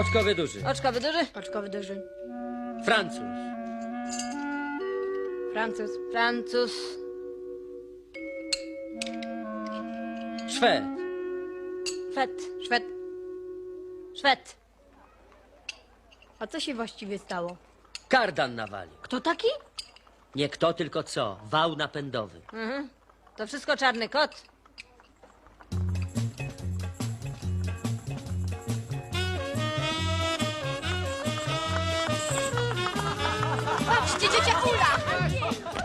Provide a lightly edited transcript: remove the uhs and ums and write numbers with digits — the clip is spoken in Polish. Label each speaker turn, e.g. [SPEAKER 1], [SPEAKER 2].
[SPEAKER 1] Oczkowy duży.
[SPEAKER 2] Oczkowy duży.
[SPEAKER 3] Oczkowy duży.
[SPEAKER 1] Francuz.
[SPEAKER 3] Francuz.
[SPEAKER 2] Francuz.
[SPEAKER 1] Szwed.
[SPEAKER 2] Szwed.
[SPEAKER 3] Szwed.
[SPEAKER 2] Szwed.
[SPEAKER 3] A co się właściwie stało?
[SPEAKER 1] Kardan nawalił.
[SPEAKER 2] Kto taki?
[SPEAKER 1] Nie kto, tylko co. Wał napędowy.
[SPEAKER 2] To wszystko czarny kot.
[SPEAKER 3] Patrzcie, ciocia Ula!